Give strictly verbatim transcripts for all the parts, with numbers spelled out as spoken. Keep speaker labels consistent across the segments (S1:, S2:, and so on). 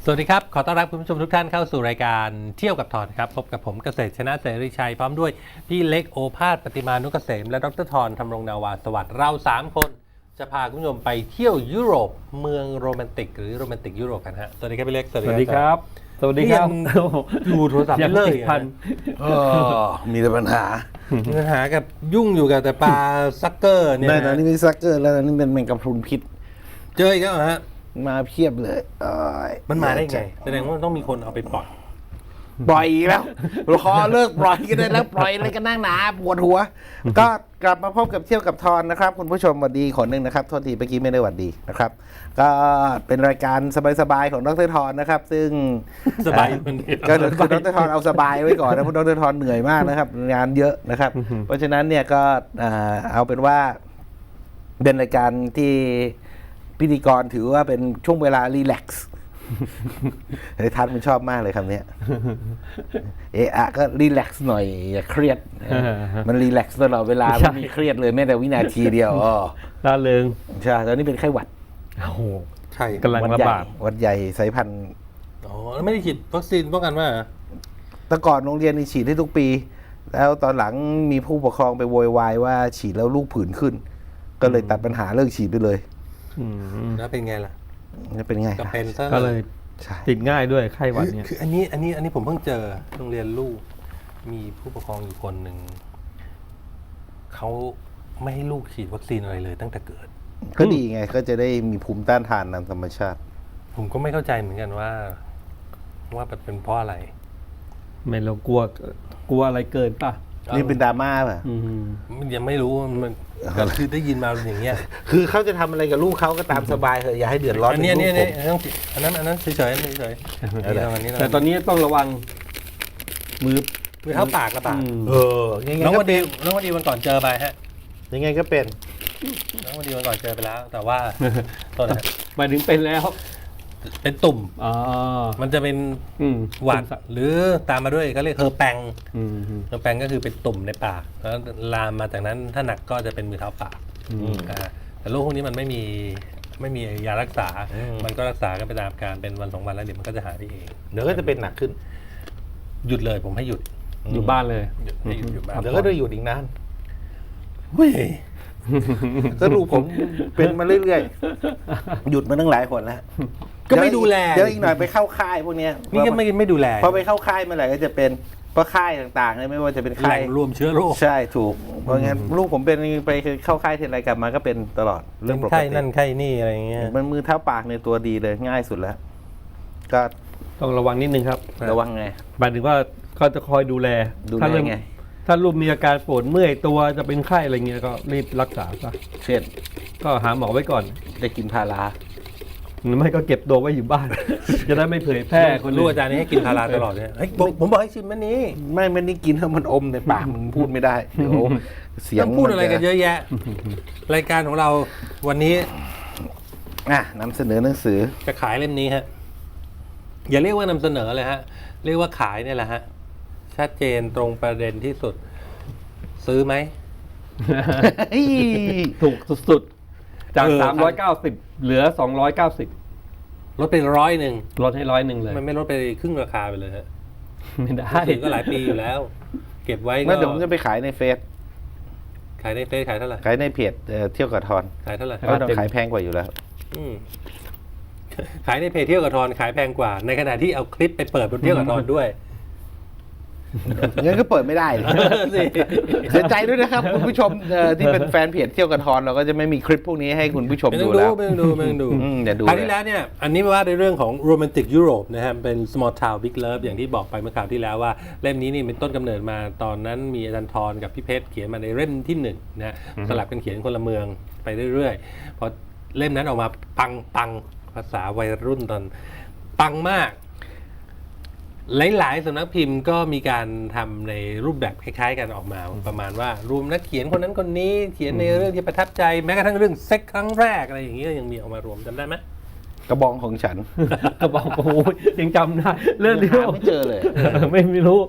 S1: สวัสดีครับขอต้อนรับคุณผู้ชมทุกท่านเข้าสู่รายการเที่ยวกับทอนครับพบกับผมเกษตรชนะเสรีชัยพร้อมด้วยพี่เล็กโอภาสปฏิมานุกเกษมและดรทอนธำรงนาวาสวัสดิ์เราสามคนจะพาคุณผู้ชมไปเที่ยวยุโรปเมืองโรแมนติกหรือโรแมนติกยุโรปกันฮะสวัสดีครับพี่เล็ก
S2: สวัสดีครับสวัสดีครับ
S1: ดูโทรศัพท์ไม่เลิกพัน
S3: มีแต่ปัญหา
S1: มีปัญหากับยุ่งอยู่กับแต่ปลาซักเกอร์เนี่ย
S3: ตอนนี้มีซักเกอร์แล้วตอนนี้เป็นแมงกะพรุนพิษ
S1: เจออีกแล้วฮะ
S3: มาเพียบเลย
S1: มันมาได้ไงแสดงว่าต้องมีคนเอาไปปล่อย
S3: ปล่อยอีกแล้วรอเลิกปล่อยกันได้แล้วปล่อยอะไรกันนั่งหนาปวดหัวก็กลับมาพบกับเที่ยวกับทอนนะครับคุณผู้ชมสวัสดีคนหนึ่งนะครับโทษทีเมื่อกี้ไม่ได้หวัดดีนะครับก็เป็นรายการสบายๆของดรทอนนะครับซึ่ง
S1: สบาย
S3: ก็คือดรทอนเอาสบายไว้ก่อนนะเพราะดรทอนเหนื่อยมากนะครับงานเยอะนะครับเพราะฉะนั้นเนี่ยก็เอาเป็นว่าเป็นรายการที่พิธีกรถือว่าเป็นช่วงเวลารีแลกซ์ไอ้ทัศน์มันชอบมากเลยคำนี้เอะอะก็รีแลกซ์หน่อยอย่าเครียดมันรีแลกซ์ตลอดเวลาไม่มีเครียดเลยแม้แต่วินาทีเดียวอ๋อ
S2: ล่าเริง
S3: ใช่ตอนนี้เป็นไข้หวัด
S2: โอ้โห
S1: ใช่
S2: กำลังระบาด
S3: วัดใหญ่สายพันธุ์
S1: อ๋อแล้วไม่ได้ฉีดวัคซีนป้องกันว่า
S3: แต่ก่อนโรงเรียนนี่ฉีดให้ทุกปีแล้วตอนหลังมีผู้ปกครองไปโวยวายว่าฉีดแล้วลูกผื่นขึ้นก็เลยตัดปัญหาเลิกฉีดไปเลย
S1: แล้วเป็นไงล่ะ
S3: จะเป็นไง
S1: ก็เป็น
S2: ก็เลยติดง่ายด้วยไข้หวัดเนี่ย
S1: คืออันนี้อันนี้อันนี้ผมเพิ่งเจอโรงเรียนลูกมีผู้ปกครองอยู่คนหนึ่งเขาไม่ให้ลูกฉีดวัคซีนอะไรเลยตั้งแต่เกิด
S3: ก็ดีไงก็จะได้มีภูมิต้านทานตามธรรมชาติ
S1: ผมก็ไม่เข้าใจเหมือนกันว่าว่าเป็นเพราะอะไร
S2: ไม่เรากลัวกลัวอะไรเกินป่ะ
S3: นี่เป็นดราม่าป่ะ
S1: มันยังไม่รู้มันคือได้ยินมาอย่างเงี้ย
S3: คือเขาจะทำอะไรกับลูกเขาก็ตามสบายเถอะอย่าให้เดือดร้อน
S1: อันนี้นี่อันนั้นอันนั้นเฉยๆเฉย
S2: ๆแต่ตอนนี้ต้องระวังมือ
S1: มือเท้าปากระบาด
S3: เออ
S1: น้องวันดีน้องวันดีวันก่อนเจอไปฮะ
S3: ยังไงก็เป็น
S1: น้องวันดีวันก่อนเจอไปแล้วแต่ว่าตอนนั้น
S2: หมายถึงเป็นแล้ว
S1: เป็นตุ่มมันจะเป็นหวัดหรือตามมาด้วยเขาเรียกเฮอร์แปงเฮอร์แปงก็คือเป็นตุ่มในปากแล้วลามมาจากนั้นถ้าหนักก็จะเป็นมือเท้าปากแต่โรคพวกนี้มันไม่มีไม่มียารักษามันก็รักษากันไปตามการเป็นวันสองวันแล้วเดี๋ยวมันก็จะหายไปเอง
S3: เดี๋ยวก็จะเป็นหนักขึ้น
S1: หยุดเลยผมให้หยุด
S2: อยู่บ้านเลย
S1: ให้หยุดอยู่บ้าน
S3: เดี๋ยวก็จะหยุดอีกนานเฮ้ยก็ดูผมเป็นมาเรื่อยๆหยุดมาตั้งหลายคนแล้ว
S1: ก็ไม่ดูแล
S3: เดี๋ยวอีกหน่อยไปเข้าค่ายพวกนี้
S1: นี่ก็ไม่ไม่ดูแล
S3: พอไปเข้าค่ายเมื่อไหร่ก็จะเป็นเพราะค่ายต่างๆเลยไม่ว่าจะเป็นค่าย
S1: รวมเชื้อโรค
S3: ใช่ถูกเพราะงั้นลูกผมเป็นไปเข้าค่ายทีไรกลับมาก็เป็นตลอด
S1: เรื่องปกติไข้นั่นไข้นี่อะไรเงี้ย
S3: มันมือเท้าปากในตัวดีเลยง่ายสุดแล้วก็
S2: ต้องระวังนิดนึงครับ
S3: ระวังไง
S2: หมายถึงว่าเขาจะคอยดูแล
S3: ดูแลไง
S2: ถ้าลูกมีอาการปวดเมื่อยตัวจะเป็นไข้อะไรเงี้ยก็รีบรักษาซะ
S3: เช่น
S2: ก็หาหมอไว้ก่อน
S3: ได้กินพารา
S2: ไม่ก็เก็บตัวไว้อยู่บ้านจะได้ไม่เผยแพร่คน
S1: รู้อาจารย์นี่ให้กินพาราตลอดเนี่ยผมบอกให้ชิมมันนี้
S3: ไม่มันนี่กินแล้วมันอมในปากมึงพูดไม่ได้เดี๋ยว
S1: เสียงพูดอะไรกันเยอะแยะรายการของเราวันนี้
S3: อ่ะนำเสนอหนังสือ
S1: จะขายเล่มนี้ฮะอย่าเรียกว่านำเสนอเลยฮะเรียกว่าขายเนี่ยแหละฮะชัดเจนตรงประเด็นที่สุดซื้อไหม
S2: ถูกสุดๆจากสามร้อยเก้าสิบเหลือสองร้อยเก้าสิบ
S1: ลดเป็นร้อยหนึ่ง
S2: ลดให้ร้อยหนึ่งเลย
S1: มันไม่ลดไปครึ่งราคาไปเลยฮะ
S2: ไม่ได้
S1: ถึงก็หลายปีอยู่แล้วเก็บไว้ก็
S3: เดี๋ยวผมจะไปขายในเฟซ
S1: ขายในเฟซขายเท่าไหร่
S3: ขายในเพจเที่ยวกับทอน
S1: ขายเท่าไหร่
S3: ก็ต้องขายแพงกว่าอยู่แล้ว
S1: ขายในเพจเที่ยวกับทอนขายแพงกว่าในขณะที่เอาคลิปไปเปิดบนเที่ยวกับทอนด้วย
S3: งั้นก็เปิดไม่ได้เสียใจด้วยนะครับคุณผู้ชมที่เป็นแฟนเพจเที่ยวกับทอนเราก็จะไม่มีคลิปพวกนี้ให้คุณผู้ชมดูแล้ว
S1: ไม่ดูไม่ดู
S3: อย่าดู
S1: คราวที่แล้วเนี่ยอันนี้ว่าในเรื่องของโรแมนติกยุโรปนะครับเป็น small town big love อย่างที่บอกไปเมื่อคราวที่แล้วว่าเล่มนี้นี่เป็นต้นกำเนิดมาตอนนั้นมีอาจารย์ทรกับพี่เพชรเขียนมาในเล่มที่หนึ่งนะสลับกันเขียนคนละเมืองไปเรื่อยๆพอเล่มนั้นออกมาปังปังภาษาวัยรุ่นตอนปังมากหลายๆสำนักพิมพ์ก็มีการทำในรูปแบบคล้ายๆกันออกมาประมาณว่ารวมนักเขียนคนนั้นคนนี้เขียนในเรื่องที่ประทับใจแม้กระทั่งเรื่องเซ็กครั้งแรกอะไรอย่างนี้ยังมีออกมารวมจำได้ไหม
S3: กระบองของฉัน
S2: กระบองโอ้ยยังจำได้เรื่องนี้
S3: ไม่เจอเลย
S2: ไม่ไม่รู้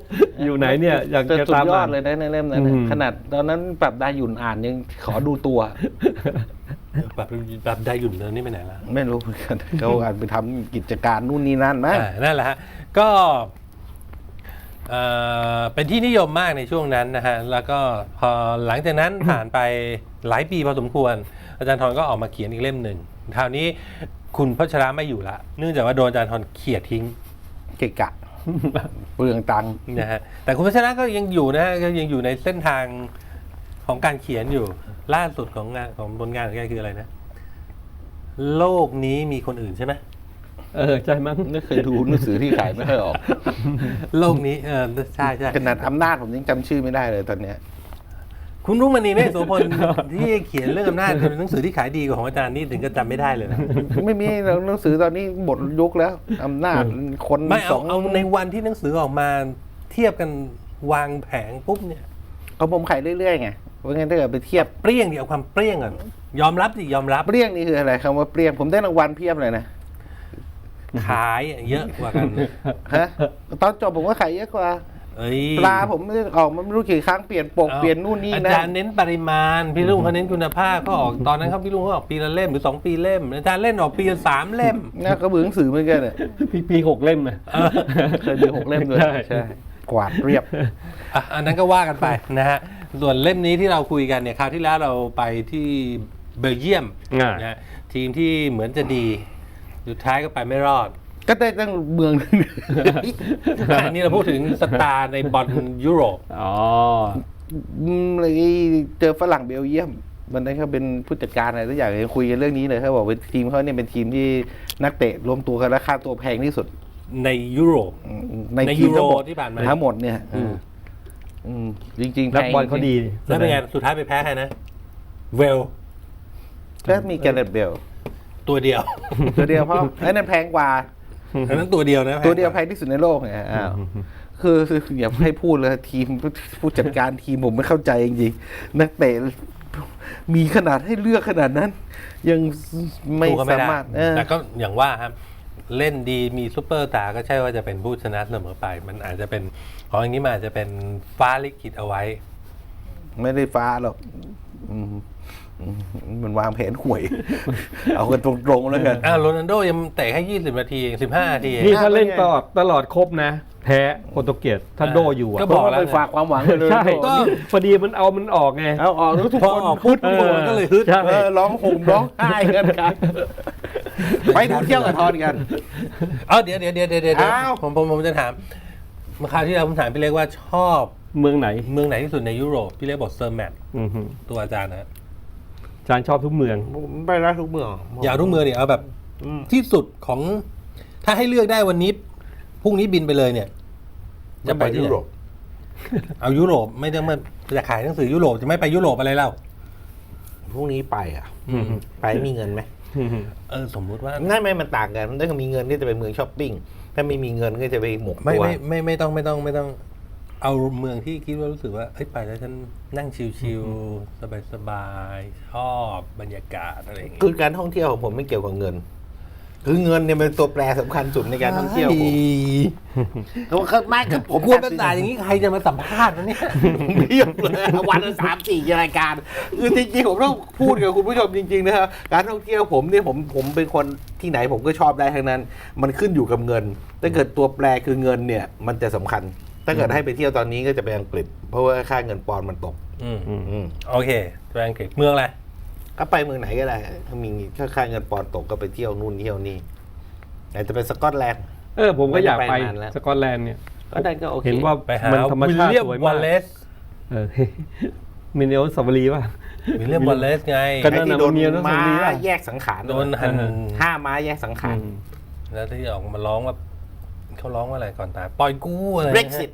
S2: อยู่ไหนเนี่ยอยาก
S3: แต่
S2: จะ
S3: สุด
S2: ตาม
S3: ยอ
S2: อ่า
S3: ด
S2: น
S3: เลยนะในเล่มนั้น
S2: อื
S3: นะ
S2: ม
S3: ขนาดตอนนั้นปรับดาหยุ่นอ่านยังขอดูตัว
S1: แบบแบบได้หยุ่นเลยนี่ไปไหนละ
S3: ไม่รู้เหมือนกันเขาอาจไปทำกิจการนู่นนี่นั่นมั้ง
S1: อ่านั่นแหละฮะก็เอ่อเป็นที่นิยมมากในช่วงนั้นนะฮะแล้วก็พอหลังจากนั้นผ่านไปหลายปีพอสมควร อาจารย์ทรก็ออกมาเขียนอีกเล่มหนึ่งคราวนี้คุณพัชระไม่อยู่ละเนื่องจากว่าโดนอาจารย์ทรเขี่ยทิ้ง
S3: เกะกะ เปลืองตังค์
S1: นะฮะแต่คุณพัชระก็ยังอยู่นะฮะก็ยังอยู่ในเส้นทางของการเขียนอยู่ล่าสุดของงานของผลงานของแกคืออะไรนะ โลกนี้มีคนอื่นใช่ไหม
S2: เออใช่มั้ง
S3: ไม่เคยดูหนังสือที่ขายไม่ค่อยออก
S1: โลกนี้เออใช่ใช่
S3: ขนาดอำนาจผมยังจำชื่อไม่ได้เลยตอนเนี้ย
S1: คุณรุ่งมณีเมฆโสพล ที่เขียนเรื่องอำนาจเป็นหนังสือที่ขายดีกว่าของอาจารย์นี่ถึงก็จำไม่ได้เลยนะ
S3: ไม่มีหนังสือตอนนี้หมดยุคแล้วอำนาจคน
S1: ไม่
S3: ส
S1: เอา
S3: อง
S1: เอาในวันที่หนังสือออกมาเทียบกันวางแผงปุ๊บเนี่ย
S3: เขาผมขายเรื่อยๆไงเพราะงั้นถ้าเกิดไปเทียบ
S1: เปรี้ยงดิเอาความเปรี้ยงก่อนยอมรับสิยอมรับ
S3: เปรี้ยงนี่คืออะไรคำว่าเปรี้ยงผมได้รางวัลเพียบเลยนะ
S1: ขายเยอะกว่ากัน
S3: ฮะตอนจบผมก็ขายเยอะกว่า
S1: เอ้ย
S3: ปลาผมออกมาไม่รู้กี่ครั้งเปลี่ยนปก
S1: อา
S3: เปลี่ยนนู่นนี่
S1: อา
S3: นะ
S1: จารย์เน้นปริมาณพี่ลุงเขาเน้นคุณภาพเขาออกตอนนั้นเขาพี่ลุงเขาออกปีละเล่มหรือสองปีเล่มอาจารย์เล่นออกปีละสามเล่ม
S3: น่าก็เบื่อหนังสือเหมือนกันเนี่ย
S2: พี่ปีหกเล่มนะ
S3: เคยมีหกเล่มด้วย
S2: ใช่
S3: ใช่กวาดเรียบ
S1: อ่ะอันนั้นก็ว่ากันไปนะฮะส่วนเล่มนี้ที่เราคุยกันเนี่ยคราวที่แล้วเราไปที่เบลเยียม
S2: อ่า
S1: นะฮะทีมที่เหมือนจะดีสุดท้ายก็ไปไม่รอด
S3: ก็ได้ตั้งเมือง
S1: อันนี้เราพูดถึงสตาร์ในบอลยุโรป
S2: อ๋อ
S3: อืมเลยเจอฝรั่งเบลเยียมมันนั้นเขาเป็นผู้จัดการอะไรทุกอย่างเลยคุยกันเรื่องนี้เลยเขาบอกเป็นทีมเขาเนี่ยเป็นทีมที่นักเตะรวมตัวกันแล้วค่าตัวแพงที่สุด
S1: ในยุโรป
S3: ใน
S1: ใน
S3: ทีมทั้งหมด
S1: ยูโรที่ผ่านมา
S3: ทั้งหมดเนี่ย
S1: อืม
S3: อืมจริงๆ
S2: นักบอลเขาดี
S1: แล้วเป็นไงสุดท้ายไปแพ้ใครนะ เวล
S3: ก็มีแกเรตเบล
S1: ตัวเดียว
S3: ตัวเดียวเพราะไอ้นั่นแพงกว่า
S1: อันนั้นตัวเดียวนะ
S3: ตัวเดียวแพงที่สุดในโลกไงอ้าวคือคืออย่าให้พูดเลยทีมผู้จัดการทีมผมไม่เข้าใจจริงๆนักเตะมีขนาดให้เลือกขนาดนั้น ยังไม่
S1: สู้เข
S3: สา
S1: ด้
S3: มารถเออ
S1: แต่ก็อย่างว่าครับ เล่นดีมีซูเปอร์สตาร์ก็ใช่ว่าจะเป็นผู้ชนะเสมอไป มันอาจจะเป็นของอย่างนี้มันอาจจะเป็นฟ้าลิขิตเอาไว้
S3: ไม่ได้ฟ้าหรอกอืมอืมมันวางแผนห่วย เอากันตรงๆแล้วกัน
S1: อ้าวโรนัลโดยังเตะแค่ยี่สิบนาทีเองสิบห้านาทีเอง
S2: นี่ถ้าเล่นตลอดตลอดครบนะ แพ้โปรตุเกสถ้าโดอยู่อ่ะ
S1: ก็
S3: เพ
S1: บอ
S3: ราะ
S1: ก
S3: ว่า
S1: แล้ว
S3: ไปฝากความหวังเลย
S2: ใช่
S1: ก็
S2: พอดีมันเอามันออกไง
S3: เอาออกแล้วทุก
S1: พอ
S3: คน
S1: ออกปุ๊บทุกคนก็เลยฮึด
S2: ใช่
S3: เออร้องห่มร้องไห้กันกันไปดูเที่ยวกับทอนกัน
S1: เอาเดี๋ยวเดี๋ยวเดี๋ยวเดี๋ยวเดี๋ยว
S3: อ้าว
S1: ผมผมผมจะถามเมื่อคราวที่เราผมถามพี่เล็กว่าชอบ
S2: เมืองไหน
S1: เมืองไหนที่สุดในยุโรปพี่เล็กบอกเซอร์แมต
S2: อือหือ
S1: ตัวอาจารย์นะฮะ
S2: อาจารย์ชอบทุกเมือง
S3: ไปแล้วทุกเมือง
S1: อย่าเอาทุกเมืองเนี่ยเอาแบบที่สุดของถ้าให้เลือกได้วันนี้พรุ่งนี้บินไปเลยเนี่ย จะไปที่ไหนเอายุโรปไม่ต้องมาจะขายหนังสือยุโรปจะไม่ไปยุโรปอะไรเล่า
S3: พรุ่งนี้ไปอ่ะ
S1: อืม
S3: ไปมีเงินไหม
S1: เออสมมุติว่า
S3: ง่ายไหมมันต่างกันถ้ามีเงินก็จะไปเมืองช้อปปิ้งถ้าไม่มีเงินก็จะไปหมก
S1: ไม่
S3: ตัว
S1: ไม่ไม่ไม่ต้องไม่ต้องไม่ต้อง เอาเมืองที่คิดว่ารู้สึกว่าเอ้ยไปแล้วฉันนั่งชิลๆสบายๆชอบบรรยากาศอะไรอย่างเงี้ย
S3: คือการท่องเที่ยวของผมไม่เกี่ยวกับเงิน คือเงินเนี่ยเป็นตัวแปรสำคัญสุดในการท่องเที่ยวผมเขาเขาไม่กับผม
S1: กวนประสาทอย่างนี้ใครจะมาสัมภาษณ์วะเนี่ย
S3: เพียบเลยวันละสามสี่รายการคือจริงๆผมต้องพูดกับคุณผู้ชมจริงๆนะครับการท่องเที่ยวผมเนี่ยผมผมเป็นคนที่ไหนผมก็ชอบได้ทั้งนั้น มันขึ้นอยู่กับเงินถ้าเกิดตัวแปรคือเงินเนี่ยมันจะสำคัญ ถ้าเกิดให้ไปเที่ยวตอนนี้ก็จะไปอังกฤษ เพราะว่าค่าเงินปอนด์มันตก
S1: อืม
S3: อืม
S1: โอเคไปอังกฤษเมืองอะไร
S3: ก็ไปเมืองไหนก็ได้ถ้ามีถ้าค่าเงินปอนด์ตกก็ไปเที่ยวนู่นเที่ยวนี่อาจจะเป็นสกอตแลนด์
S2: เออผมก็อยากไป
S3: ไม่ได้ไปนานแล้ว
S2: สกอตแลนด์เนี่ย
S3: ก็ได้ก็โอเค
S2: เห็นว่า
S1: ไปหา
S2: มันธรรม
S1: วิล
S2: ชาติ
S1: เลียม
S2: สวย
S1: วอ
S2: มาก
S1: ลเลส
S2: เออ มินเนลสวรีป่ะ
S1: วิลเลียมวอลเลสไง
S2: ก็
S3: ไอ้ที่โดน
S2: นั่นน่ะมันมีอนุสาว
S3: ม้า
S2: รีย์ป่ะ
S3: แยกสังขาร
S1: โดนหัน
S3: ห้าม้าแยกสังขาร
S2: อืม
S1: แล้วที่ออกมาร้องว่าเขาร้องว่าอะไรก่อนตายปล่อยกู้อะไรนะ
S3: Brexit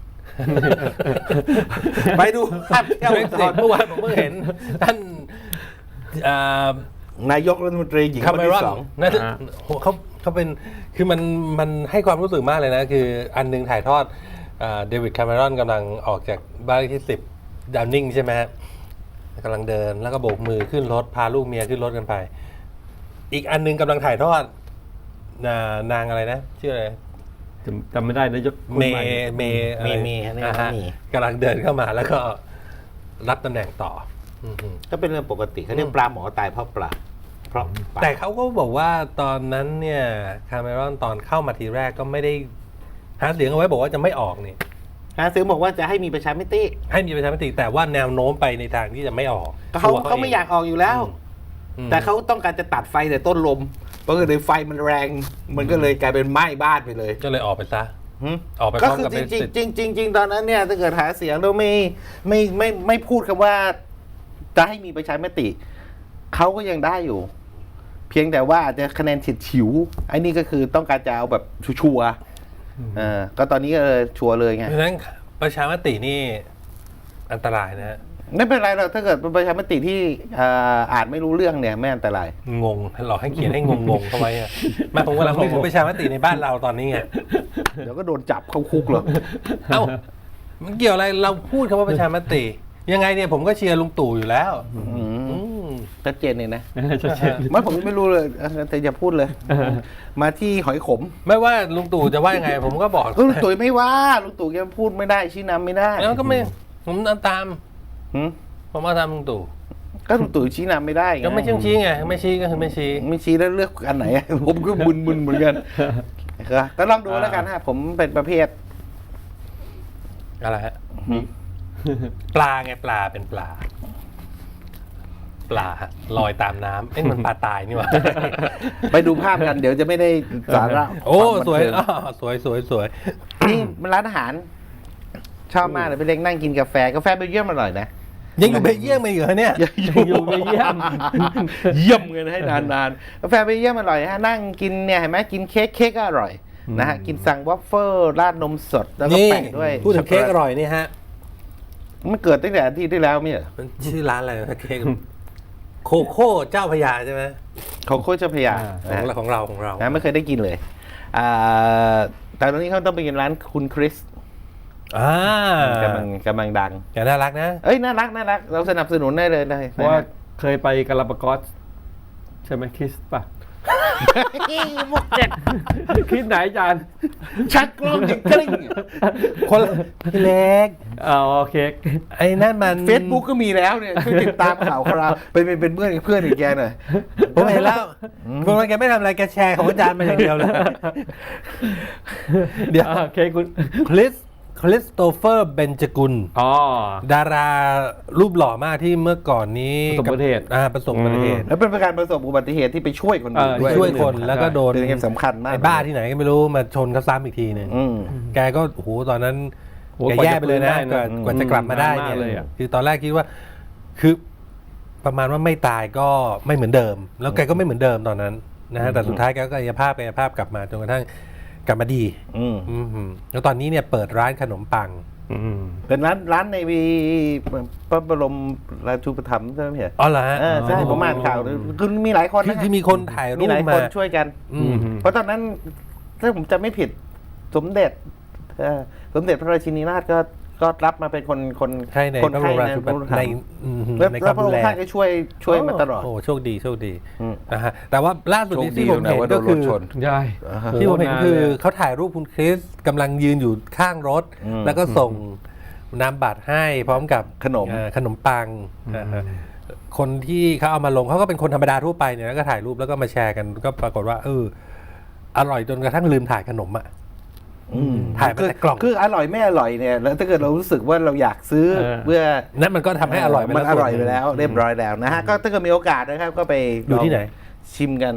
S3: ไปดูภาพเที่ยว
S1: เบรกซิตเมื่อวานผมเพิ่งเห็นท่านอ่าน
S3: ายกรัฐมนตรีหญิง
S1: คา
S3: คน
S1: เมร
S3: ที่
S1: อน
S3: สอง
S1: น่าจะโหเขาเขาเป็นคือมันมันให้ความรู้สึกมากเลยนะ คืออันหนึงถ่ายทอดเดวิดคาเมรอนกำลังออกจากบ้านเลขที่สิบดาวนิงใช่ไหมฮะกำลังเดินแล้วก็โบกมือขึ้นรถ พาลูกเมียขึ้นรถกันไป อีกอันหนึงกำลังถ่ายทอดนานางอะไรนะชื่ออะไร
S2: จำจำไม่ได้นายกคน
S1: เม
S2: ใหม่
S1: ย์เมย์อะไร
S3: เมย์เมย์เนี่ย
S1: อ่าฮะ
S3: เมย์
S1: กำลังเดินเข้ามาแล้วก็รับตำแหน่งต่ออืม
S3: ก็เป็นเรื่องปกติเขาเรียกปลาหมอตายเพราะปลาเพราะปลา
S1: แต่เขาก็บอกว่าตอนนั้นเนี่ยคาเมรอนตอนเข้ามาทีแรกก็ไม่ได้หาเสียงเอาไว้บอกว่าจะไม่ออกนี่
S3: หาซื้อบอกว่าจะให้มีประชามติ
S1: ให้มีประชามติแต่ว่าแนวโน้มไปในทางที่จะไม่ออก
S3: เขา
S1: ตัว
S3: เขาไม่อยากออกอยู่แล้ว
S1: อืม
S3: แต่เขาต้องการจะตัดไฟแต่ต้นลมเพราะเลยไฟมันแรง มันก็เลยกลายเป็นไหม้บ้านไปเลย
S1: ก็เลยออกไปซะ
S3: หึ
S1: ออกไปพ
S3: ก็
S1: ร้อม
S3: คือ
S1: กับ
S3: จ
S1: เป็น
S3: ริง
S1: สิทธิ์
S3: จริงจริงจริงๆตอนนั้นเนี่ยถ้าเกิดหาเสียงแล้วไม่ไม่ไม่ไม่พูดคำว่า จะให้มีประชามติเขาก็ยังได้อยู่ เพียงแต่ว่าอาจจะคะแนนฉิดฉิวไอ้นี่ก็คือต้องการจะเอาแบบชัวร์ๆเออก็ตอนนี้ก็เลยชัวร์เลยไง
S1: เพราะฉะนั้นประชามตินี่อันตรายนะฮะ
S3: ไม่เป็นไรหรอกถ้าเกิดเป็นประชามติที่เอ่ออ่านไม่รู้เรื่องเนี่ยไม่อันตราย
S1: งงหลอกให้เขียนให้งงงๆเข้าไว้อะไมาผมกำลังพูดถึงประชามติในบ้านเราตอนนี้ไง
S3: เดี๋ยวก็โดนจับเข้าคุกหรอก
S1: เอ้ามันเกี่ยวอะไรเราพูดคำว่าประชามติ ยังไงเนี่ยผมก็เชียร์ลุงตู่อยู่แล้ว
S3: อืม
S1: อืม
S3: ชัดเจนเลยนะ
S2: ชัดเจน
S3: ไม่ผมไม่รู้เลยเออแต่อย่าพูดเลย มาที่หอยขม
S1: ไม่ว่าลุงตู่จะว่ายังไง ผมก็บอก
S3: ลุงตู่ไม่ว่าลุงตู่แกพูดไม่ได้ชี้นำไม่ได้
S1: แล้วก็ไม่ผมตาม
S3: หืม
S1: ผมมาตามลุงตู่
S3: ก็ลุงตู่ชี้นำไม่ได้ง
S1: ก็ไม่ชี้ชี้ไงไม่ชี้ก็คือไม่ชี้
S3: ไม่ชี้แล้วเลือกอันไหน ผมก็มึนๆเหมือนกันก็ก็ลองดูแล้วกันฮะผมเป็นประเภท
S1: อะไรฮะปลาไงปลาเป็นปลา ปลาลอยตามน้ำเอ้ยมันปลาตายนี่หว่า
S3: ไปดูภาพกันเดี๋ยวจะไม่ได้สาระ
S1: โอ้
S3: ความบัน
S1: สวย
S3: เทิง
S1: อ้อสวยสวยสวย
S3: นี่มันร้านอาหาร ชอบมากเลยไปเล็กนั่งกินกาแฟกาแฟเบลเยียมอร่อยนะ
S1: ยังอยู่เบลเยียมมาอยู่เหรอเนี่ย
S2: อยู่ไปเยี่ยม
S3: เยี่ยมเงินให้นานๆกาแฟเบลเยียมอร่อยฮะนั่งกินเนี่ยเห็นไหมกินเค้กเค้กก็อร่อยนะฮะกินสั่งวัฟเฟิลราดนมสดแล้วก็
S1: นี่
S3: แปะด้วย
S1: พูดถึงเค้กอร่อยนี่ฮะ
S3: มันเกิดตั้งแต่อาที่ที่แล้วไม่ใช่เหรอ
S1: มันชื่อร้านอะไรนะเค้กโคโค่เจ้าพระยาใช่ไหม
S3: ของโคชเจ้าพระยา
S1: ของเราของเราของเรา
S3: นะไม่เคยได้กินเลยอ่าแต่ตอนนี้เขาต้องไปกินร้านคุณคริส
S1: อ่าก
S3: ำลังกำลังดัง
S1: แกน่ารักนะ
S3: เอ้ยน่ารักน่ารักเราสนับสนุนได้เลยได้
S2: เพราะว่าเคยไปกาลาปากอสใช่ไหมคริสป่ะ
S3: มุกเจ็ด
S2: คริสไหนอาจารย์
S3: ชักกล้องจริงจริง
S1: คนเล็ก
S2: อ๋อเค้ก
S1: ไอ้นั่นมัน
S3: เฟซบุ๊กก็มีแล้วเนี่ยช่วยติดตามข่าวคราวเป็นเป็นเป็นเพื่อนกับเพื่อนอีกแกหน่อย
S1: ผมเห็นแล้วคุณวันแกไม่ทำอะไรแกแชร์ของอาจารย์มาอย่างเดียวเลย เดี๋ยว
S2: อ่าเค้กคุณ
S1: คริสคริสโตเฟอร์เบนจกุล
S2: อ๋อ
S1: ดารารูปหล่อมากที่เมื่อก่อนนี้
S2: ประสบอุบัติเหตุ
S1: อ่าประสบอุบัติเหตุ
S3: แล้วเป็นการประสบอุบัติเหตุที่ไปช่วยคนอื่น
S2: เออ
S3: ด้วย
S1: ช่วยคนแล้วก็โดน
S3: เป็นเรื่องสำคัญมาก
S1: ไอ้บ้าที่ไหนก็ไม่รู้มาชนเขาซ้ำอีกทีหนึ่ง
S3: อืม
S1: แกก็โอ้โหตอนนั้น
S2: โห
S1: แกแย่ไปเลยนะ
S2: ก
S1: ก
S2: ว่า
S1: ว่า
S2: จะ
S1: กว่าจะกลับมาได้
S2: นานมาก
S1: เนี่ย
S2: เลยอะ
S1: คือตอนแรกคิดว่าคือประมาณว่าไม่ตายก็ไม่เหมือนเดิม แล้วแกก็ไม่เหมือนเดิมตอนนั้นนะฮะแต่สุดท้ายแกก็กายภาพกายภาพกลับมาจนกระทั่งกลับมาดี
S3: อืม
S1: อืมแล้วตอนนี้เนี่ยเปิดร้านขนมปัง
S2: อืม
S3: เป็นร้านร้านในวีพระบรมราชูปถัมภ์ใช่ไหมพี่
S1: อ๋อเหรอฮะ
S3: เออใช่ผมอ่านข่าวคือมีหลายคน
S1: คือ
S3: นะ
S1: คือมีคนถ่ายรู
S3: มี
S1: ป
S3: หลายค
S1: มา
S3: นช่วยกัน
S1: อืม
S3: เพราะตอนนั้นถ้าผมจำไม่ผิดสมเด็จเอ่อสมเด็จพระราชินีนาถก็ก็รับมาเป็นคนคน
S1: ใช่ใน
S3: คน
S1: พระบ
S3: ไข้
S1: รมรา
S3: ใน
S1: ชู
S3: พ
S1: ป
S3: ระบรม
S1: ใน
S3: ราชู
S1: อืม
S3: แล้ว
S1: ในค
S3: แล้ว
S1: วาม
S3: พระ
S1: ดู
S3: อง
S1: แล
S3: ค์ท่านก็ช่วยช่วยมาตลอด
S1: โอ้โชคดีโชคดีนะฮะแต่ว่าล่าสุดที่ผมเห็นก็คือ
S2: ใช่
S1: ที่ผมเห็นคือเขาถ่ายรูปคุณคริสกำลังยืนอยู่ข้างรถ
S3: อืม
S1: แล้วก็ส่งนามบัตรให้พร้อมกับ
S3: ขนม
S1: เอ่อขนมปังนะฮะคนที่เขาเอามาลงเขาก็เป็นคนธรรมดาทั่วไปเนี่ยแล้วก็ถ่ายรูปแล้วก็มาแชร์กันก็ปรากฏว่าเอออร่อยจนกระทั่งลืมถ่ายขนมอ่ะ
S3: อืม
S1: ถ่ายมา
S3: คือ
S1: แต่กล่อง
S3: คืออร่อยไม่อร่อยเนี่ยแล้วถ้าเกิดเรารู้สึกว่าเราอยากซื้อ
S2: เออ
S3: เพื่อ
S1: นั่นมันก็ทำให้อร่อยไป
S3: มัน
S1: แล้ว
S3: อร่อย
S1: ส่
S3: ไป
S1: วนหนึ่ง
S3: แล้วเรียบร้อยแล้วนะฮะก็ถ้าเกิดมีโอกาสนะครับก็ไป
S1: อยู่ที่ไหน
S3: ลงชิมกัน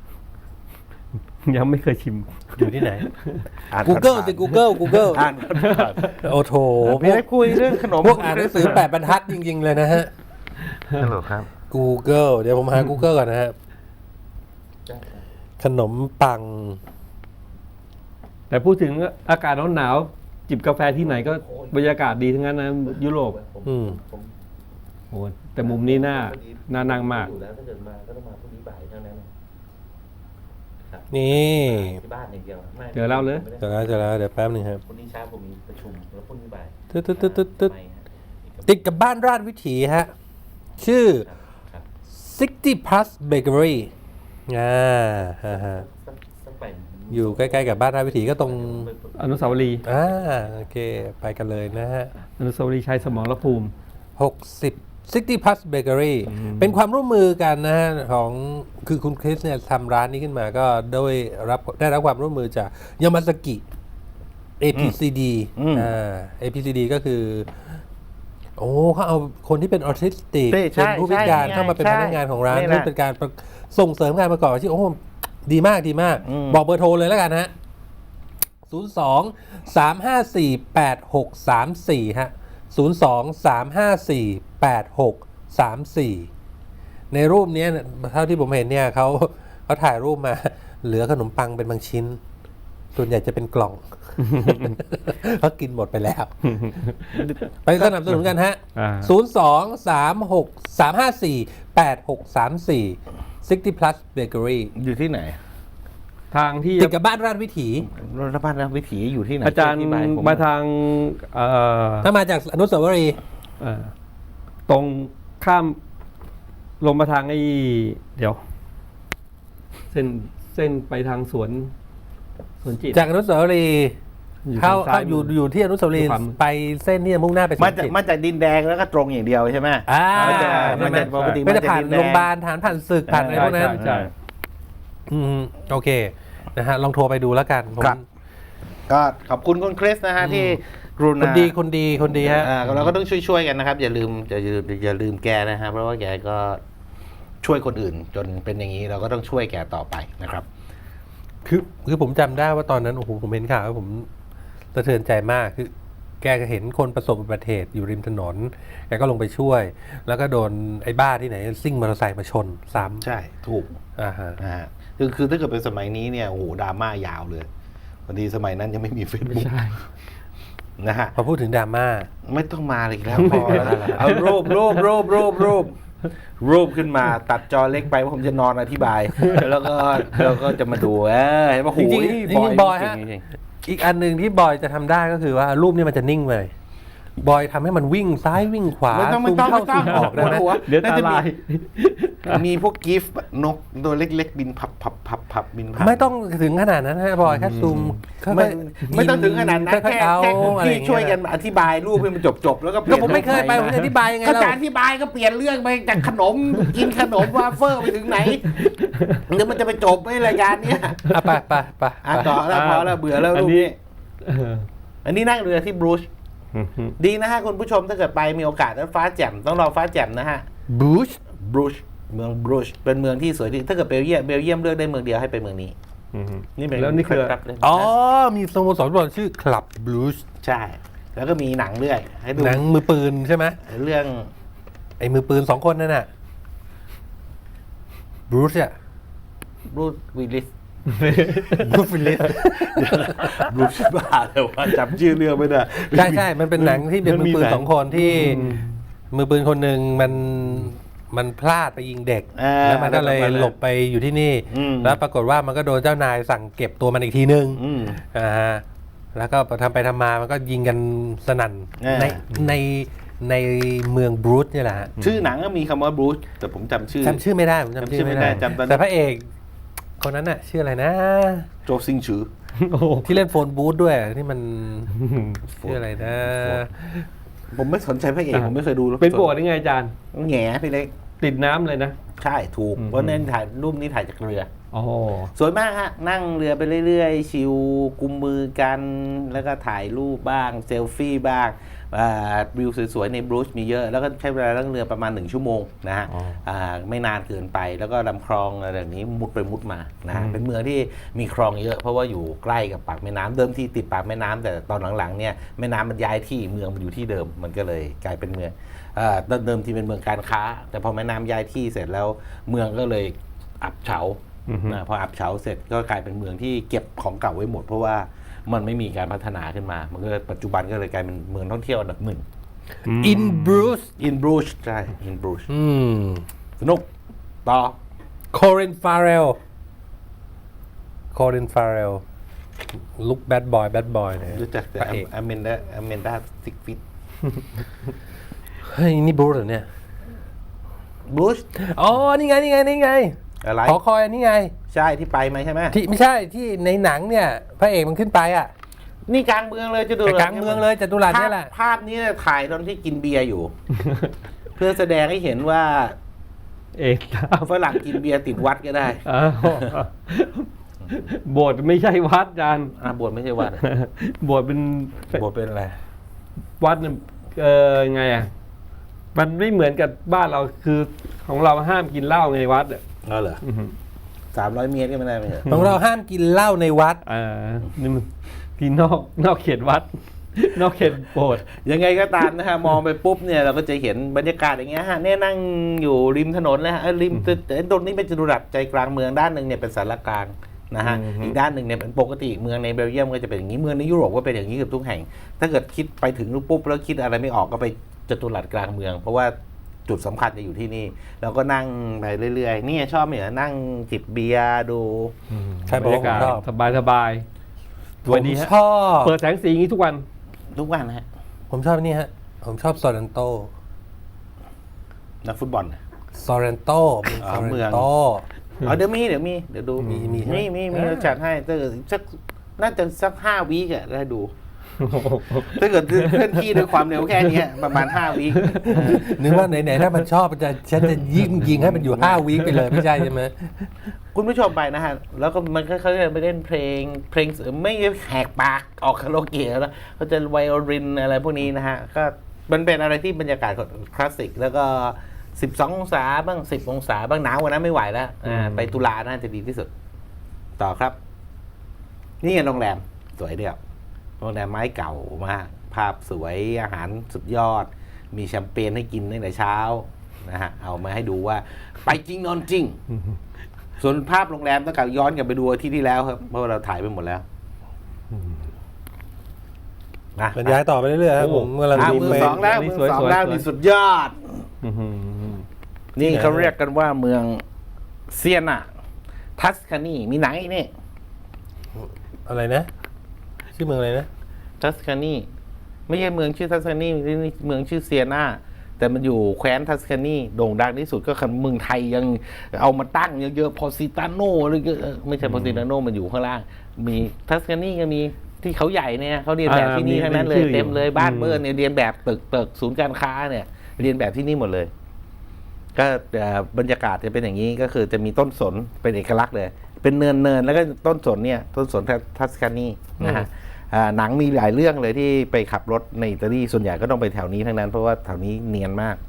S2: ยังไม่เคยชิม
S1: อยู่ที่ไหน
S3: อ่าน
S1: Google
S3: ผ่านๆ
S1: สิ Google Google
S3: อ่านผ่าน
S1: โอ้โถ
S3: ๆ
S1: พ
S3: พี่
S1: วก
S3: ได้คุยเรื่องขนม
S1: พวกอ่านหนังสือแปดบรรทัดจริง ๆ เลยนะฮะ
S3: ฮัลโหลครับ
S1: Google เดี๋ยวผมหา Google ก่อนนะฮะขนมปัง
S2: แต่พูดถึงอากาศหนาวๆจิบกาแฟที่ไหนก็บรรยากาศดีทั้งนั้นนะยุโรป
S1: อืม
S2: โอ้แต่มุมนี้น่าน่านั่งมาก
S3: อยู่แล้วถ้าเกิดมาก็ต้องมาพรุ่งนี้บ่ายเท่านั้น
S1: นี่
S3: ที่บ้านอย่างเดียวไม่
S2: เจอแล้วเลย
S1: เจอแล้วเจอแล้วเดี๋ยวแป๊บหนึงครับ
S3: พรุ่งนี้เช้าผมมีประชุมแล้วพรุ่งนี้บ่าย
S1: ตึ๊ดตึ๊ดตึ๊ดตึ๊ดตึ๊ดติดกับบ้านราชวิถีฮะ ชื่อ
S3: ครับ
S1: sixty plus bakery อ่าฮะฮะ
S3: สักสักบ่าย
S1: อยู่ใกล้ๆกับบ้านราชวิถีก็ตรง
S2: อนุสาวรีย์
S1: อ่าโอเค ไปกันเลยนะฮะ
S2: อนุสาวรีย์ชัยสมรภูมิ
S1: หกสิบ City Plus Bakery เป็นความร่วมมือกันนะฮะของคือคุณคริสเนี่ยทำร้านนี้ขึ้นมาก็โดยรับได้รับความร่วมมือจากยามาสกิ เอ พี ซี ดี
S3: อืม
S1: อ่า เอ พี ซี ดี ก็คือ โอ้เขาเอาคนที่เป็นออทิสติก
S3: ใช่
S1: เป็นผู้พิการ
S3: ใช่
S1: เข้ามาเป็น
S3: ใช่
S1: พนักงานของร้าน
S3: นี่แหละ
S1: เพื่อเป็นการประส่งเสริมการประกอบอาชีพโอ้โหดีมากดีมาก
S3: อืม
S1: บอกเบอร์โทรเลยแล้วกันฮะ ศูนย์ สอง สาม ห้า สี่ แปด หก สาม สี่ ฮะ ศูนย์ สอง สาม ห้า สี่ แปด หก สาม สี่ ในรูปเนี้ยเท่าที่ผมเห็นเนี่ยเขาเขาถ่ายรูปมา เหลือขนมปังเป็นบางชิ้น ส่วนใหญ่จะเป็นกล่อง เพราะกินหมดไปแล้ว ไปสนับสนุนกันฮะ
S2: อ่า
S1: ศูนย์ สอง สาม หก สาม ห้า สี่ แปด หก สาม สี่ City Plus Bakery
S3: อยู่ที่ไหน
S2: ทางที่
S1: ติดกับบ้านราชวิถี
S3: รัฐบาลนะวิถีอยู่ที่ไหน
S2: อาจารย์
S3: ธิบยผ
S2: มาทางเอ่อ
S1: ถ้ามาจากอนุสาวรีย์
S2: เอ่อตรงข้ามลงมาทางไอ้เดี๋ยว เส้นเส้นไปทางสวนสวนจิต
S1: จากอนุสาวรีย์
S2: อยู่
S1: เข้า
S2: ทางซ้าย
S1: เข้าอยู่
S2: มือ
S1: อ
S2: อ
S1: ยู่ที่อนุสาวรีย์
S2: ขวามือ
S1: ไปเส้นที่จะมุ่งหน้าไปสว
S3: มาน จาก
S1: จิต
S3: มาจากดินแดงแล้วก็ตรงอย่างเดียวใช่ไหม
S1: อ่า
S3: มันจะ
S1: ใช่
S3: มัน
S1: ไหม
S3: จะปกติ
S1: ไม่ได้
S3: มันจะ
S1: ผ่าน
S3: ดินแดง
S1: โรงพยาบาลฐานผ่านศึกผ่านอะไรพวกนั้น
S2: ใช่ใช่
S1: อืมโอเคนะฮะลองโทรไปดูแล้วกันผม
S3: ครับ ก็ขอบคุณคุณคริสนะฮะที่กรุ
S1: คน
S3: ณา
S1: ดีคนดีคนดีฮะ
S3: อ่าเราก็ต้องช่วยๆกันนะครับ อย่าลืมอย่าลืมอย่าลืมแกนะฮะเพราะว่าแกก็ช่วยคนอื่น จนเป็นอย่างนี้เราก็ต้องช่วยแกต่อไปนะครับ
S1: คือคือผมจำได้ว่าตอนนั้นโอ้โหผมเห็นข่าวแล้วผมสะเทือนใจมากคือ แกก็เห็นคนประสบอุบัติเหตุอยู่ริมถนน แกก็ลงไปช่วย แล้วก็โดนไอ้บ้าที่ไหนซิ่งมอเตอร์ไซค์มาชนซ้ำ
S3: ใช่ถูก
S1: อ่าฮะ
S3: นะฮะคือคือถ้าเกิดเป็นสมัยนี้เนี่ยโอ้โหดราม่ายาวเลยพอดีสมัยนั้นยังไม่มีเฟซบุ๊ก
S2: ใช่
S3: นะฮะ
S1: พอพูดถึงดราม่า
S3: ไม่ต้องมาเลยอีกแล้วพอแล้วเอารูปรูปรูปรูปรูปรูปขึ้นมาตัดจอเล็กไปว่าผมจะนอนอธิบาย แล้วก็แล้วก็จะมาดูเออเห็นป่ะโห
S1: จริงๆจริงๆบอยฮะ
S3: จริง
S1: อีกอันหนึ่งที่บอยจะทำได้ก็คือว่ารูปนี้มันจะนิ่งไปบอยทำให้มันวิ่งซ้ายวิ่งขวา
S3: ไม่ต้องไม่
S1: ซูม
S3: ต้อง
S1: เข้า
S3: ไม่ต้
S1: ซู
S3: อง
S1: มออกได้ไหม
S3: หัว
S2: เดี๋ยวตาลาย
S3: มีพวกกิฟต์นกตัวเล็ก ๆ บินพับพับพับพับบินพับ
S1: ไม่ต้องถึงขนาดนั้นฮะบอยแค่ซูมค่อยๆ
S3: ไม่ไม่ต้องถึงขนาดนั้น
S1: ค่อย
S3: แค่
S1: ๆเอา
S3: แค่
S1: อะไรอ
S3: พี่
S1: ย่างเงี้
S3: ช่วยกันอธิบายรูปให้มันจบๆแล้วก็เปลี่
S1: ก็
S3: ยน
S1: ผมไม่เคยไปผมจะอธิบายยังไง
S3: ก็
S1: เล่า
S3: จะอธิบายก็เปลี่ยนเรื่องไปจากขนม กินขนมวาเฟอร์ไปถึงไหนเดี๋ยวมันจะไปจบไหมรายการเนี้ย
S1: อ่ะไปไปไป
S3: อ่ะต่อแล้วพอแล้วเบื่อแล้ว
S2: อั
S3: รู
S2: น
S3: ป
S2: นี้
S3: นี้ อันนี้นั่งเรือที่บรูชดีนะฮะคุณผู้ชมถ้าเกิดไปมีโอกาสแล้วฟ้าแจ่มต้องรอฟ้าแจ่มนะฮะ
S1: บรูช
S3: บรูชเมืองบรูชเป็นเมืองที่สวยที่ถ้าเกิดเบลเยียมเบลเยียมเลือกได้เมืองเดียวให้ไปเมืองนี้ นี่เป็น
S2: แล้วนี่คือ
S3: ครับเลย
S1: อ๋อมีสโมสรฟุตบอลชื่อคลับบรูช
S3: ใช่ แล้วก็มีหนังเรื่อยให้ดู
S1: หนังมือปืนใช่ไหม
S3: เรื่อง
S1: ไอ้มือปืนสองคนนั่นน่ะบรูชอะ
S3: บรูชวิลลิส
S1: บรูชฟิลลิส
S3: บรูชบ้าเลยว่าจำชื่อเรื่องไม่ได้
S1: ใช่ใช่มันเป็นหนังที่เป็นมือปืนสองคนที่มือปืนคนหนึ่งมันมันพลาดไปยิงเด็ก
S3: อ่า
S1: แล้วมันก็เลยหลบไปอยู่ที่นี่
S3: อืม
S1: แล้วปรากฏว่ามันก็โดนเจ้านายสั่งเก็บตัวมันอีกทีนึง
S3: อืม
S1: อ่าฮะแล้วก็ทำไปทำมามันก็ยิงกันสนั่น
S3: อ่า
S1: ในในในเมืองบรูซเนี่ยแหละฮะ
S3: ชื่อหนังก็มีคำว่าบรูชแต่ผมจำชื่อ
S1: จำชื่อไม่ได้ผมจำชื่อไม่ได้
S3: จำชื่อไม่ได้จำตอน
S1: แต่พระเอกคนนั้นน่ะชื่ออะไรนะ
S3: โจซิงชือ
S2: โอ้โห
S1: ที่เล่นโฟนบูธด้วยที่มันชื่ออะไรนะ
S3: ผมไม่สนใจพระเอกผมไม่เคยดูหรอก
S2: เป็นโบสถ์ยังไงอาจารย์
S3: แง่พี่เล็ก
S2: ติดน้ำเลยนะ
S3: ใช่ถูก
S2: อืม
S3: เพราะเน้นถ่ายรูปนี้ถ่ายจากเรือ
S2: โอ้โห
S3: สวยมากฮะ นั่งเรือไปเรื่อยๆ ชิวกุมมือกัน แล้วก็ถ่ายรูปบ้าง เซลฟี่บ้างอ่าวิวสวยๆ ในบรูชมีเยอะ แล้วก็ใช้เวลานั่งเรือประมาณหนึ่งชั่วโมงนะฮะ
S2: อ๋ออ่
S3: าไม่นานเกินไป แล้วก็ลำคลองอะไรแบบนี้มุดไปมุดมานะฮะเป็นเมืองที่มีคลองเยอะ เพราะว่าอยู่ใกล้กับปากแม่น้ำเดิมที่ติดปากแม่น้ำแต่ตอนหลังๆเนี่ยแม่น้ำมันย้ายที่เมืองมันอยู่ที่เดิม มันก็เลยกลายเป็นเมืองอ่าเดิมทีเป็นเมืองการค้า แต่พอแม่น้ำย้ายที่เสร็จแล้วเมืองก็เลยอับเฉา
S2: อือฮึ
S3: นะพออับเฉาเสร็จก็กลายเป็นเมืองที่เก็บของเก่าไว้หมด เพราะว่ามันไม่มีการพัฒนาขึ้นมา มันก็ปัจจุบันก็เลยกลายเป็นเมืองท่องเที่ยวอันดับหนึ่ง
S1: อินบรูซ
S3: อินบรูชใช่อินบรูช
S1: อืม
S3: สนุกต่อ
S1: คอรินฟาเรลคอรินฟาเรลลุคแบดบอยแบดบอยเนี่ย
S3: รู้จักแต่
S1: พระเอก
S3: อเมนดาอเมนดาซิกฟิต
S1: เฮ้ยนี่บรูซเหรอเนี่ย
S3: บรูช
S1: อ๋อนี่ไงนี่ไงนี่ไง
S3: อะไร
S1: หอคอยอันนี้ไง
S3: ใช่ที่ไปไหมใช่ไหม
S1: ที่ไม่ใช่ที่ในหนังเนี่ยพระเอกมันขึ้นไปอ่ะ
S3: นี่กลางเมืองเลยจะดู
S1: แต่กลางเมืองเลยจตุรัสเนี่ยแหละ
S3: ภาพนี้เนี่ยถ่ายตอนที่กินเบียร์อยู่ เพื่อแสดงให้เห็นว่า
S2: เอกตาม
S3: ฝรั่งกินเบียร์ติดวัดก็ได้
S2: อ้าวโบสถ์ไม่ใช่วัดจาน
S3: อ่าบวชไม่ใช่วัด
S2: โบสถ์เป็น
S3: บวชเป็นอะไร
S2: วัดเนี่ยเออไงอ่ะมันไม่เหมือนกับบ้านเราคือของเราห้ามกินเหล้าไงวัดอ่ะ
S3: อ๋อเหรอ
S2: อื้อหือ
S3: สามร้อยเมตรก็ไม่ได้ไหมเหรอ
S1: ของเราห้ามกินเหล้าในวัด
S2: เออนี่มันกินนอกนอกเขตวัด นอกเขตโบสถ์
S3: ยังไงก็ตามนะฮะ มองไปปุ๊บเนี่ยเราก็จะเห็นบรรยากาศอย่างเงี้ยฮะเนี่ยนั่งอยู่ริมถนนเลยฮะเอ้ยริมแต่ตรงนี้เป็นจตุรัสใจกลางเมืองด้านหนึ่งเนี่ยเป็นสารกลางนะฮะอีกด้านหนึ่งเนี่ยเป็นปกติเมืองในเบลเยียมก็จะเป็นอย่างนี้เมืองในยุโรปก็เป็นอย่างนี้เกือบทุกแห่ง ถ้าเกิดคิดไปถึงปุ๊บแล้วคิดอะไรไม่ออกก็ไปจตุรัสกลางเมือง เพราะว่าจุดสำคัญจะอยู่ที่นี่เราก็นั่งไปเรื่อยๆนี่ชอบเหมือนนั่งจิบเบียร์ดู
S1: ใครบอกว่าผมชอบ
S2: สบายสบายส
S1: ผ
S2: วย
S1: ม
S2: ดีฮะ
S1: ชอบ
S2: เปิดแสงสีอย่างนี้ทุกวัน
S3: ทุกวันนะฮะ
S1: ผมชอบนี่ฮะ ผมชอบซอรันโต
S3: นักฟุตบอลน่ะ
S1: ซอรันโต
S3: อ๋อเมือง
S1: โต
S3: อ๋อเดี๋ยวมีเดี๋ยวมีเดี๋ยวดู
S1: มีมีใช่ไหม
S3: มีมีมี
S1: อ่า
S3: เราจัดให้ถ้าเกิดสักน่าจะสักห้าวีกอะได้ดู ถ้าเกิดเคลื่อนที่ด้วยความเร็วแค่เนี้ยประมาณห้าวีค
S1: นึกว่าไหนๆถ้ามันชอบมันจะฉันจะยิงยิงให้มันอยู่ห้าวีคไปเลยไม่ใช่ใช่ไหม
S3: คุณผู้ชมไปนะฮะ แล้วก็มันเขาจะไปเล่นเพลง เพลงไม่แหกปากออกคาราโอเกะแล้วเขาจะไวโอลินอะไรพวกนี้นะฮะ ก็มันเป็นอะไรที่บรรยากาศคลาสสิก แล้วก็สิบสององศาบ้างสิบองศาบ้างหนาวกว่านั้นไม่ไหวแล้วอ่าไปตุลาน่าจะดีที่สุด ต่อครับ นี่ไงโรงแรมสวยเดียวโรงแรมไม้เก่ามาก ภาพสวยอาหารสุดยอด มีแชมเปญให้กินตั้งแต่เช้านะฮะเอามาให้ดูว่าไปจริงนอนจริง ส่วนภาพโรงแรมต้องกลับย้อนกลับไปดูอาที่ที่แล้วครับเพราะว่าเราถ่ายไปหมดแล้วนะ
S1: บรรยายต่อไปเรื่อยๆครับผมกำลัง
S3: อ่ะ
S1: ดู
S3: มือ
S1: เฟ
S3: ส
S1: ซ
S3: องแล้ว
S2: นี่
S3: มือสอง
S2: สวยๆ
S3: แล้ว
S2: สวย
S3: นี่สุดยอด
S2: อื้อหือ
S3: นี่เขาเรียกกันว่าเมืองเซียนาทัสคานีมีหนังอีกนี่
S1: อะไรนะ ชื่อเมืองอะไรนะ
S3: ทัสคานีไม่ใช่เมืองชื่อทัสคานีนี่เมืองชื่อเซียนาแต่มันอยู่แคว้นทัสคานีโด่งดังที่สุดก็คือเมืองไทยยังเอามาตั้งเยอะๆพอซิตาโนหรือไม่ใช่พอซิตาโนมันอยู่ข้างล่าง มีทัสคานีก็มีที่เขาใหญ่เนี่ยเขาเรียนแบบที่นี่ทั้งนั้นเลยเต็มเลยบ้านเบิร์นเนี่ยเรียนแบบตึกตึกศูนย์การค้าเนี่ย เรียนแบบที่นี่หมดเลย ก็บรรยากาศจะเป็นอย่างนี้ก็คือจะมีต้นสนเป็นเอกลักษณ์เลย เป็นเนินเนินแล้วก็ต้นสนเนี่ยต้นสนทัสคานีนะฮะหนังมีหลายเรื่องเลยที่ไปขับรถในอิตาลีส่วนใหญ่ก็ต้องไปแถวนี้ทั้งนั้นเพราะว่าแถวนี้เนียนมาก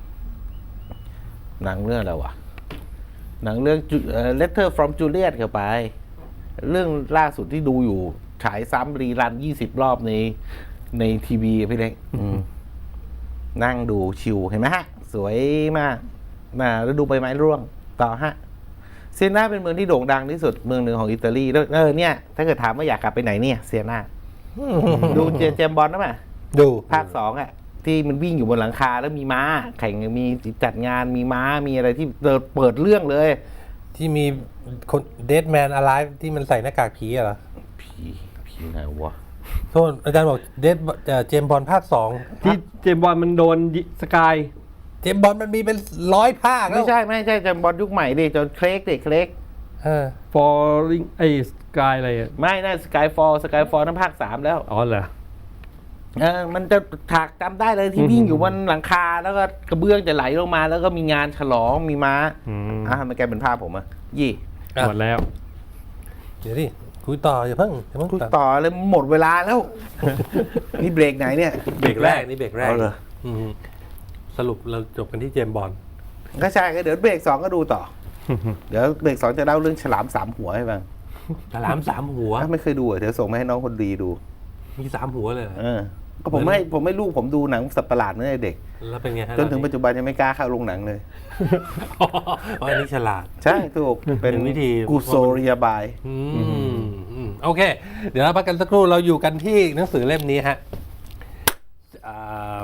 S3: หนังเรื่องอะไรวะหนังเรื่อง Letter from Juliet เข้าไป เรื่องล่าสุดที่ดูอยู่ฉายซ้ำรีรันยี่สิบรอบในในทีวีพี่เล็กนั่งดูชิวเห็นไหมฮะ สวยมากมาแล้วดูใบไม้ร่วงต่อฮะเซียนาเป็นเมืองที่โด่งดังที่สุดเมืองหนึ่งของอิตาลีแล้วเออเนี่ยถ้าเกิดถามว่าอยากกลับไปไหนเนี่ยเซียนาดูเจเจมส์บอลนะมั้ย
S1: ดู
S3: ภาคสองอ่ะที่มันวิ่งอยู่บนหลังคาแล้วมีม้า แข่งมีจัดงานมีม้ามีอะไรที่เปิดเรื่องเลย
S1: ที่มีคนเดดแมนอะไรที่มันใส่หน้ากากผีอะเหรอ
S3: ผีผีไหนวะ
S1: โทษอาจารย์บอกเดดเจมบอลภาคสอง
S2: ที่เจมส์บอลมันโดนยิสกาย
S1: เจมบอลมันมีเป็นร้อยภาคแล้ว
S3: ไม่ใช่ไม่ใช่จำบอลยุคใหม่ดิจนเคลกดิเคลก
S1: เออ
S2: ฟอร์ริงไอ้สกายอะไรอ่ะ
S3: ไม่น่าสกายฟอลสกายฟอลนั่นภาคสามแล้ว
S2: อ๋อเหรอ
S3: เออมันจะฉากจำได้เลยที่วิ่งอยู่บนหลังคาแล้วก็กระเบื้องจะไหลลงมา แล้วก็มีงานฉลองมีม้า
S2: อืม
S3: อ่ะมันแกลายเป็นภาพผมอะยี่
S1: อ่ะ
S2: หมดแล้ว
S1: เดี๋ยวดิคุยต่ออย่าเพิ่งอย่าเพิ่ง
S3: คุย
S1: ตัด
S3: ต่อเลยหมดเวลาแล้ว นี่เบรกไหนเนี่ย
S1: เบรกแรกนี่เบรกแรก
S3: เอาเหรอ
S1: อืมสรุปเราจบกันที่เจมบอล
S3: ก็ใช่ก็เดี๋ยวเบรกสองก็ดูต่อ เดี๋ยวเบรกสองจะเล่าเรื่องฉลามสามหัวให้ฟัง
S1: ฉลามสามหัว
S3: ถ้าไม่เคยดูอ่ะเดี๋ยวส่งมาให้น้องคนดีดู
S1: มีสามหัวเลยเหรอ
S3: เออ ก็ผมไม่ผมไม่ลูกผมดูหนังสัตว์ประหลาดเมื่อเด็ก
S1: แล้วเป็นไงฮะ
S3: จนถึงปัจจุบันยังไม่กล้าเข้าโรงหนังเลย
S1: อ๋ออันนี้ฉลาด
S3: ใช่ถูกเป็น
S1: เป็นวิธี
S3: กูโซเรียบาย
S1: อืมอืมโอเค เดี๋ยวเราพักกันสักครู่เราอยู่กันที่หนังสือเล่มนี้ฮะอ่า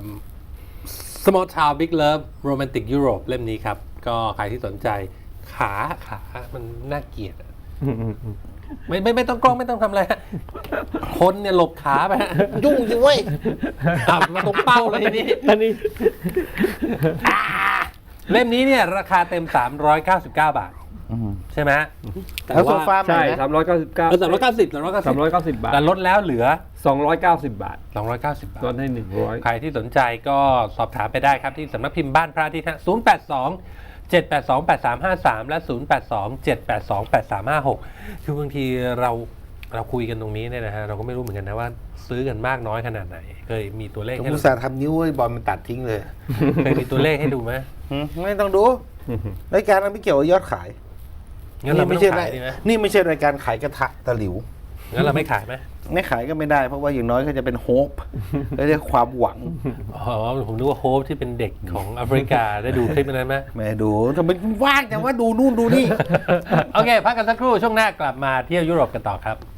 S1: Small Town Big Love Romantic Europe เล่มนี้ครับ ก็ใครที่สนใจขาขามันน่าเกลียดอะไม่ไม่ไม่ต้องกล้องไม่ต้องทำอะไรฮะคนเนี่ยหลบขาไปฮะยุ่งจริงเว้ยอ่ะมาตรงเป้าเลยทีนี้
S2: อันนี้
S1: เล่มนี้เนี่ยราคาเต็ม สามร้อยเก้าสิบเก้า บาทใช่ไหมแต่
S3: แล้วโซ
S1: ว่า
S3: ฟาใหม่
S2: ใช่
S3: ไหม
S2: สามร้อยเก้าสิบเก้า
S1: เออสามร้อยเก้าสิบสามร้อยเก้าสิบ
S2: สามร้อยเก้าสิบบาท
S1: แต่ลดแล้วเหลือ
S2: สองร้อยเก้าสิบบาท
S1: สองร้อยเก้าสิบบาท
S2: ลดให้หนึ่งร้อย
S1: ใครที่สนใจก็สอบถามไปได้ครับที่สำนักพิมพ์บ้านพระอาทิตย์ฮะศูนย์ แปด สอง เจ็ด แปด สอง แปด สาม ห้า สาม และ ศูนย์ แปด สอง เจ็ด แปด สอง แปด สาม ห้า หก คือบางทีเราเราคุยกันตรงนี้เนี่ยนะฮะเราก็ไม่รู้เหมือนกันนะว่าซื้อกันมากน้อยขนาดไหน เคยมีตัวเลข
S3: ผม
S1: ให้
S3: อุ
S1: ดู
S3: ตส่าห์ทำนิ้วให้บอลมันตัดทิ้งเลย
S1: เคยมีตัวเลขให้ดูไหม
S3: หืมไม่ต้องดูรายการนั้นไม่เกี่ยวกับยอดขาย
S1: งั้นเราไม่
S3: ไม่
S1: ต้อ
S3: ใช่
S1: ง
S3: รา
S1: ขาย ยดีไหม
S3: นี่ไม่ใช่รายการขายกระทะตะหลิว
S1: งั้นเราไม่ขายไหม
S3: ไม่ขายก็ไม่ได้เพราะว่าอย่างน้อยก็จะเป็นโฮปเรียกความหวัง
S1: อ๋อผมนึกว่าโฮปที่เป็นเด็กของแอฟริกาได้ดูคลิปนั้นไหม
S3: แม่ดูทำไมว่างจังว่าดูนู่นดูนี่
S1: โอเคพักกันสักครู่ช่วงหน้ากลับมาเที่ยวยุโรปกันต่อครับ